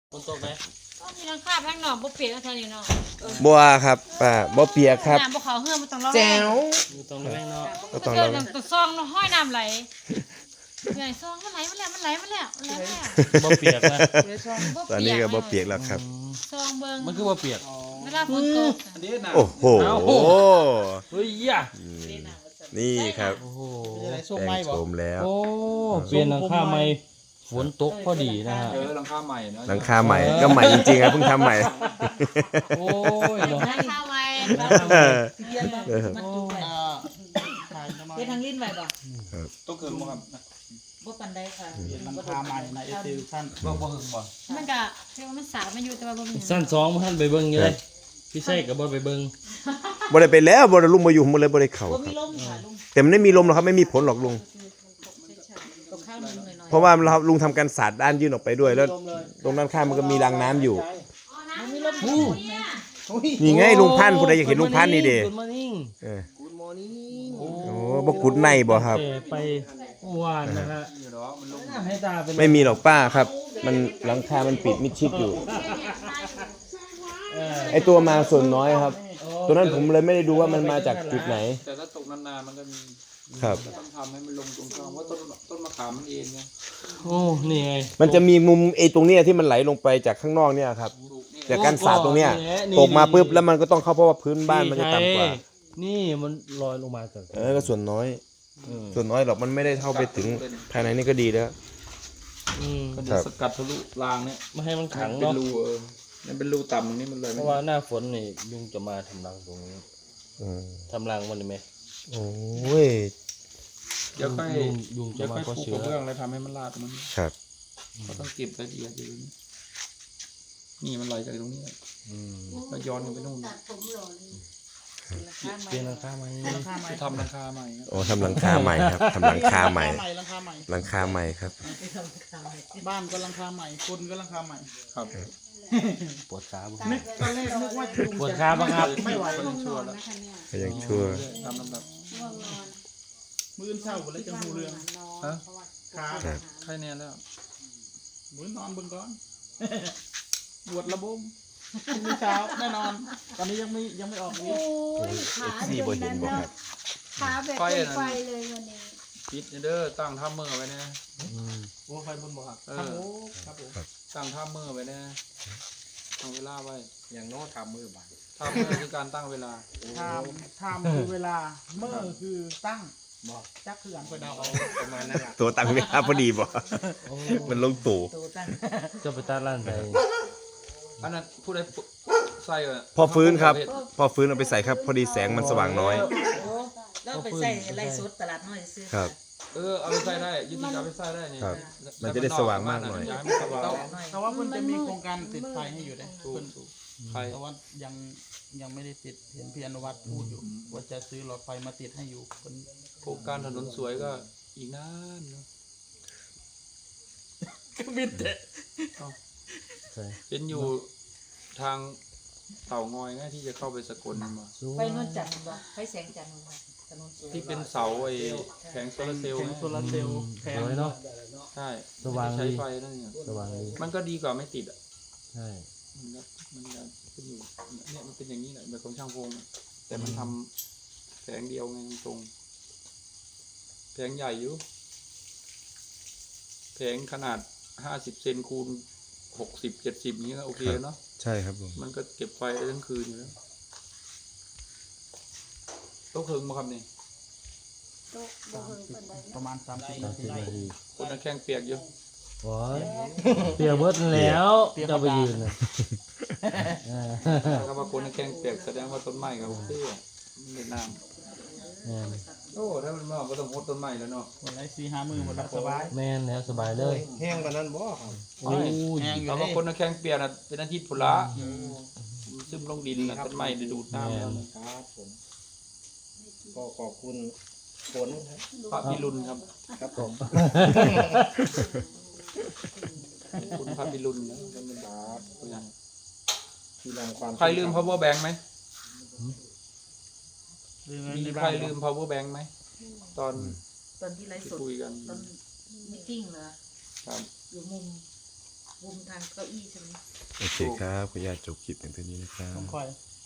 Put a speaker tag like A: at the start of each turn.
A: ฝนตกไหม
B: ก็มีหลังคาทั้งหนองบ่เปียกทั้งนี้เนาะ
C: บัวครับป้าบ่เปียกครับ
B: น้ำบ่เขาเฮือมันต้องร้อน
C: แจ๋ว
A: อยู่ตรงแรงเนาะ
C: ก็ต้อง
B: เกิ
C: เรา
B: ดน้ำซองห้อยน้ำไหลใหญ่ซองมันไหลมาแล้วมันไหลมาแล้วไหลมาแล้ว
A: บ่เปียกนะ
C: ตอนนี้ก็บ่เปียกแล้วครับ
B: ซองเบิ่ง
A: มันคือบ่เปียก
B: เวลาฝนตก
C: โอ้โห
A: เฮ้ยย่า
C: นี่ครับ
A: โอ้โห
C: แต่งโฉมแล้ว
A: โอ้เปลี่ยนหลังคาใหม่ฝนตกพอดีนะฮะ
D: หลังคาใหม่เนาะ
C: หลังคาใหม่ก็ใหม่จริงๆครับเพิ่งทำใหม่
A: โอ้ยเนาะ
B: หลังคาไว้
C: เออ
E: มันจุกไปเฮ็ดทางลิ้นไว้บ่
D: ต้องเกินบ่ครับ
E: บ่ปานใดค่ะ
F: หลังคาใหม่นะเอฟท่าน
D: บ่หึงบ่
B: มันก็เรียกว่ามันสาวมาอยู่แต่ว่าบ่มี
A: สั้น2บ่ทันไปเบิ่งอยู่เลยพี่ใส่ก็บ่ไปเบิ่ง
C: บ่ได้ไปแล้วบ่ได้ลุงมาอยู่ผมเลยบ่ได้เข้า
E: บ่
C: ค
E: มี
C: รับ
E: ลมค่ะลุง
C: แต่มันไม่มีลมหรอกครับไม่มีผลหรอกลุง
E: กับข้าวนึงหน่อย
C: เพราะว่าเราลุงทำการสาดด้านยื่นออกไปด้วยแล้วตรงด้านข้างมันก็มีรางน้ำอยู่
E: ๆมันมีลม
A: อู้
C: นี่ไงลุงพันธุ์ผู้ใดอยากเห็นลุงพันธุ์นี่เด้
A: Good morning
C: เออ
F: กูดมอร์นิ่ง
A: โอ้
C: โอ้บ่กุดในบ่ครับ
A: แต่ไปเมื่อวานนะฮะ
D: อยู่เนาะมันลง
A: ให้ตาเป็น
C: ไม่มีหรอกป้าครับ มันหลังคามันปิดมิดชิดอยู่ ไอตัวมาส่วนน้อยครับ ตัวนั้นผมเลยไม่ได้ดูว่ามันมาจากจุดไหน
D: แต่ถ้าตกนานๆมันก็มี
C: ครับ
D: ต้องทำให้มันลงตรงกลางว่าต้นมะขามมันเองไง
A: โอ้นี่ไง
C: มันจะมีมุมไอตรงเนี้ยที่มันไหลลงไปจากข้างนอกเนี่ยครับ
D: ถูกนี่
C: จากการสาดตรงเนี้ย
A: นี่
C: ตกมาปุ๊บแล้วมันก็ต้องเข้าเพราะว่าพื้นบ้านมันจะต่ำกว่า
A: นี่มันลอยลงมาจาก
C: ก็ส่วนน้อย ส่วนน้อยหรอกมันไม่ได้เข้าไปถึงภายในนี่ก็ดีแล้ว
D: มันจะสกัดทะลุรางเนี่ย
A: ไม่ให้มันขัง
D: เป็น
A: เนาะ
D: รูมันเป็นรูต่ำตรงนี้มันเลย
A: เพราะว่าหน้าฝนนี่ยุงจะมาทำรังตรงนี้
C: อืม
A: ทำรังมันเลยไหม
C: โอ้ย
D: เดี๋ยวค่อย
A: ยุงจะ
D: เดี๋ยว
A: มา
D: ค่อย
A: เพราะ
D: ปู
A: เชื้
D: ก
A: อ
D: ระเบื้องแล้วทำให้มันลาดตรงนี้
C: ครับ
D: เราต้องเก็บรายละเอียดอยู่นี่มันไหลจากตรงนี้แล้วย้อนกันไปนู่น
A: เปลี่ยนหลังคาไหม
D: จะทำราคาใหม่ครับ
C: โอ้ทำหลังคาใหม่ครับทำหลังคาใหม่
F: หลังคาใหม่
C: หลังคาใหม่ครับ
F: บ้านก็หลังคาใหม่คนก็หลังคาใหม่
D: ครับ
A: ปวดขาบ้าง
F: นึกตอนแรกนึกว่าลุง
A: ปวดขาบ้างครับ
F: ไม่ไหว
D: ก็ยังชั่วแล้ว
C: ก็ยังชั่ว
D: ตามลำดับ
F: มื้อเช้าก็เลยจะหูเรื่อง
D: ฮะ
F: ขา
C: ครับ
D: ใครแน่แล้ว
F: มื้อนอนเบิ่งก่อน บวชระบมพรุ่งนี้เช้าแน่นอน ตอนนี้ยังไม่ออกนี้
C: นี่บ่เห็นบ่ครับ
B: ขาแบบเป็นไฟเลยวันนี้
D: ปิดเด้อตั้งท่ามือไว้นะ
F: โอ้ไฟบนบ่ครับ
D: เอ
F: ครับ
D: อ
F: โอ้ครับผม
D: ตั้งท่ามือไว้นะตั้งเวลาไว้
F: อย่างโน้ทำมือบ่าย
D: ท่ามือคือการตั้งเวลา
F: ทำคือเวลาเมื่อคือตั้งบอกจักคืออันไปเดาเอาประมาณนั้นแหละ
C: ตัวตังเวลาพอดีบ่มันลงตู่
A: จะไปตัดร้านใด
D: อันนั้นผู้ใดใส่อะ
C: พอฟื้นครับ พอฟื้นเอาไปใส่ครับ พอดีแสงมันสว่างน้อย
E: แล้วไปใส่ไล่สดตลาดน้อยซื้อ
C: ครับ
D: เอาไปใส่ได้ยืดเอาไปใส่ได้นี่
C: ครับมันจะได้สว่างมากหน่อย
D: ย้ายมันสว่าง
F: แต่ว่าเพิ่นจะมีโครงการติดไฟให้อยู่นะ
D: ถูก
F: เพิ่น
D: ถูกใคร
F: แต่ว่ายังไม่ได้ติดเห็นพี่อนุวัฒน์พูดอยู่ว่าจะซื้อหลอดไฟมาติดให้อยู่เพิ่น
D: โครงการถนนสวยก็อีกนานเนอะ
F: บิดเตะ
A: ใช่
D: เห็นอยู่ทางเต่างอยไงที่จะเข้าไปสกลนั่นมา
E: ไปนวลจันทร์บ่ไปแสงจันทร์บ่ถนนสวย
D: ที่เป็นเสาไอ้แผงโซลาร์เซลล์
F: แผง
D: ไง
F: โซลาร์เซลล์แผ
A: ส
F: ง
A: วยเนาะ
D: ใช่
A: สว่าง
D: ใช้
A: ดี
D: ไฟนั่นเนี่ย
A: สว่างดี
D: มันก็ดีกว่าไม่ติดอ่ะ
A: ใช่
D: มันเป็นอยู่เนี่ยมันเป็นอย่างนี้แหละแบบของช่างพงอะแต่มันทำแผงเดียวไงตรงแผงใหญ่อยู่แผงขนาด50 เซนคูณ60 70นี้ก็โอเคเนาะ
C: ใช่ครับผม
D: มันก็เก็บไฟได้ทั้งคืนอยู่แล้วต้องถึงมาครับนี่
F: ประมาณ30 นาที
A: 30 นาที
D: คนนั้นแข้งเปียกอยู่
A: โอ้ยเปียกเบิดแล้วจะไปยืนน่ะ
D: ถ้าว่าคนนั้นแข้งเปียกแสดงว่าต้นไม้กับเตี้ยมันในน้ำโอ้ถ้ามันมาก็ต้องหดต้นไม้แล้วเนาะ
F: วันไหน4-5 มื้อหมดแล้วสบาย
A: แม่นแล้วสบายเลย
F: แห้งกว่านั้นบ่ครับ
A: โอ้ย
F: แห้งอยู่
D: ถ้า
F: เด้
D: ว่าคนนั้นแข้งเปียกน่ะเป็นอาทิตย์พุละซึมลงดินน่ะต้นไม้ได้ดูดน้ำ
A: แม่
D: แล้ว
A: น
G: ครับผมก็ขอบคุณฝนครับ
D: พระพิรุณครับ
G: ครับผม
D: คุณพระพิรุณนะเป็นบาปตัวอย่าง
G: ที่นำความ
D: ใครลืม power bank ไหม มี
F: ใน
D: ใค
F: บ้าร น
D: ลืม power bank ไหมตอน
E: ตอนที่ไล่
D: ที่
E: สด
D: คุยกัน
E: ตอนมีติ้งเหรอ
D: ครับ
E: อยู่มุมมุมทางเก้าอี้ใช่ไหม
C: โอเคครับขออนุญาตจบคลิปอย่างเท่านี้นะครับ
F: ต้องคอย